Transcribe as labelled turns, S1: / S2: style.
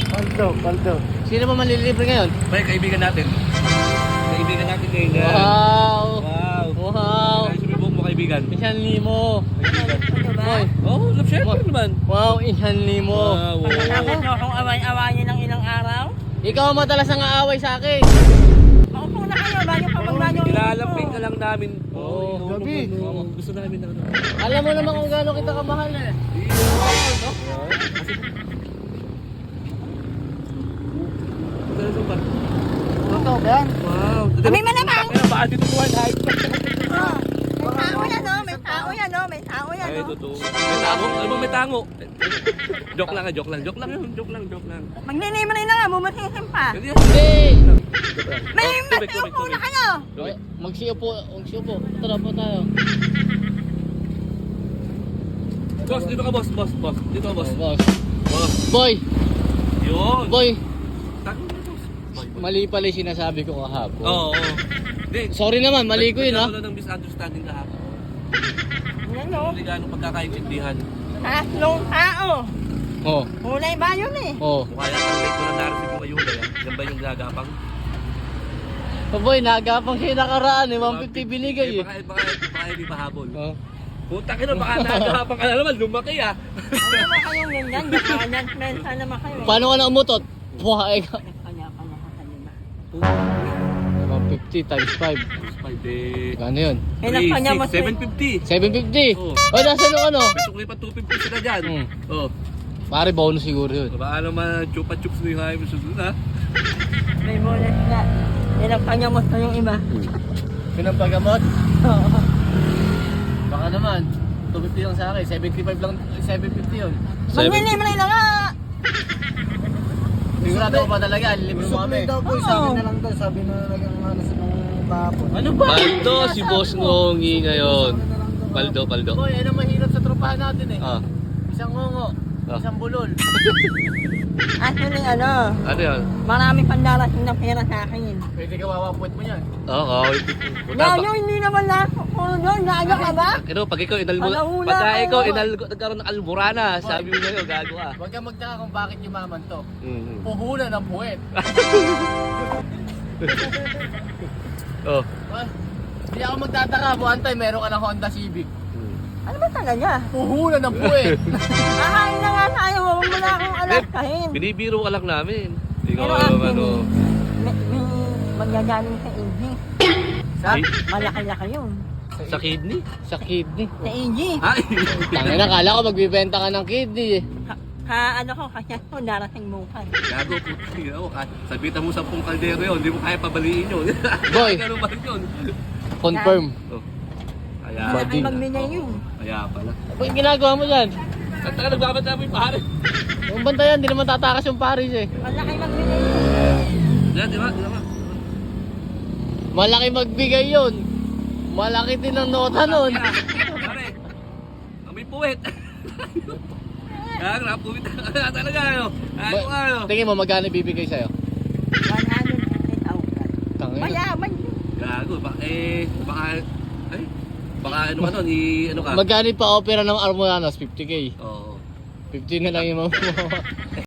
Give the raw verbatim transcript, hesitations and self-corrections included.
S1: Paldo, paldo.
S2: Sino ba manlilibre ngayon?
S3: Bay, kaibigan natin. Kaibigan natin ngayon. yan.
S2: Wow!
S3: Wow.
S2: Wow!
S3: Ay, sumibok mo kaibigan.
S2: Isang limo. Boy.
S3: Oh, love syempre naman.
S2: Wow, isang limo.
S3: Wow.
S4: Ako na akong away-awayin ng ilang araw.
S2: Ikaw ang madalas ang aaway sa akin.
S4: Maupo na kayo, bago pa magbanyo.
S3: Ilalamping ka lang namin.
S2: Oo,
S1: gabi.
S3: Oo, gusto namin na ano.
S2: Alam mo naman kung gaano kita kamahal eh.
S3: Ano ba?
S1: Totoo ba yan?
S3: Wow.
S4: Kami malamang.
S3: Kaya baka dito tuwa lahat.
S4: Oh, may tao yan oh, may tao yan oh, may tao yan
S3: Ay,
S4: oh.
S3: totoo. May tango? Ano ba may tango? Joke lang, ah, joke lang. Joke lang yun. Joke lang, joke lang.
S4: Magninimari na nga, bumatisim pa.
S3: Hindi.
S2: Hindi!
S4: May
S3: Oh,
S4: mas
S3: tubig, tubig,
S4: upo na
S3: tubig.
S4: kayo.
S2: Ay, Magsiyo po, magsiyo po. Tara po tayo.
S3: Boss, dito ka boss, boss, boss. Dito ka boss.
S2: Oh, boss.
S3: Boss.
S2: Boy!
S3: Yun.
S2: Boy!
S3: Tango na boss. Boy, boy.
S2: Mali pala yung sinasabi ko kahapon.
S3: Oo, oo. Hindi.
S2: Sorry naman, mali ko yun ha.
S3: Wala ng misunderstanding kahapon.
S4: Yan oh,
S3: Hindi gaano pagkakaintindihan.
S4: tatlong tao.
S2: Oh,
S4: Kulay ba yun eh?
S2: oh.
S3: Mukha yata ang late ko na narating yung ayun. Yan ba yung gagapang?
S2: Oh boy, nagapang siya nakaraan eh. one fifty binigay eh.
S3: Baka, baka, baka hindi mahabol.
S2: Oh.
S3: Puta ka na, baka nagapang ka na naman. Lumaki ah.
S4: Ano naman kayong ganyan? Bakalan, mensa naman kayo eh.
S2: Paano ka na umutot? Buha eh ka.
S4: Kanya-kanya ka kanina.
S2: one fifty times five.
S3: Five eh.
S2: Ano yun?
S4: Kailan kanya mas
S3: seven fifty.
S2: seven fifty.
S3: Oo.
S2: Oh, nasa nung ano?
S3: May sukli pa two fifty sila dyan.
S2: Hmm.
S3: Oh.
S2: Pare, bonus siguro yun.
S3: Baka naman chupa-chups na yung hayo mo susunod ha.
S4: May bonus na. Kailan kanya mas na yung iba.
S2: Pinampagamot?
S4: Oo.
S2: Baka naman. two fifty lang sa akin. seventy-five lang. seven fifty yun.
S4: Magninimari na nga.
S2: Sigurado ko pa talaga. Libre mo kami.
S1: Suplay daw po, sabi na lang daw, sabi na nagang ano sa nung kahapon.
S2: Ano ba?
S3: Paldo si Boss Ngongi ngayon. Paldo, paldo.
S2: Boy, yan ang mahirap sa tropahan natin eh.
S3: Ah.
S2: Isang ngongo.
S3: Ah.
S2: Isang bulol.
S4: Actually ano,
S3: Ano yan?
S4: marami pang darating na pera sa akin.
S2: Pwede ka wawapuit mo yan.
S3: Oo, oh, oh. Puta ba?
S4: Gayo, hindi naman lahat ko doon. Gago ka ba?
S3: Ano, pag ikaw inal
S4: Alauna
S3: pagka
S4: kayo.
S3: ikaw inal nagkaroon ng alburana, sabi mo ngayon, gago ka.
S2: Huwag kang magtaka kung bakit yumaman to.
S3: Mm.
S2: Puhunan ng puwet.
S3: Oh.
S2: Ah, Hindi ako magtataka. Buwan tayo, meron ka ng Honda Civic.
S4: Ano ba talaga?
S2: Puhunan ng puwet.
S4: Ahain na nga tayo. Huwag mo na akong alaskahin.
S3: Binibiro ka lang namin. Ikaw
S4: Pero
S3: ano,
S4: actually,
S3: ano.
S4: may, may manggagaling sa A G.
S2: Sa,
S3: Ay,
S4: Malaki-laki yun.
S3: sa kidney?
S2: sa kidney.
S4: Sa A G.
S3: Ay!
S2: Tangina, kala ko magbibenta ka ng kidney eh.
S4: Ka, ka ano ko, kasi ako darating bukas.
S3: Gago po. Tingnan mo, ka- sabitan mo sampung kaldero yun, hindi mo kaya pabaliin yun.
S2: Boy.
S3: Ganun ba rin yun?
S2: Confirm.
S3: Oh. Kaya,
S4: Malaki
S2: Bading.
S4: magbigay yun.
S3: kaya pala.
S2: Ano yung ginagawa mo dyan?
S3: At taka nagbabanta mo yung pare.
S2: Yung bantayan, hindi naman tatakas yung Paris eh.
S4: Malaki magbigay yun.
S3: Diyan, di ba? Di ba?
S2: Malaki magbigay yun. Malaki din ang nota nun.
S3: Pare, amoy puwet. Kaya napuwit ka talaga ano. Ano
S2: Ba-
S3: ano.
S2: Tingin mo, magkano ibibigay sa'yo?
S4: one hundred fifty thousand.
S2: Tangina.
S4: Mayaman yun.
S3: Gago, baka eh, baka, ay, baka ano ka nun, i, ano ka?
S2: Magkano pa opera ng Armoranos? fifty K.
S3: Oo.
S2: fifty na lang yung mga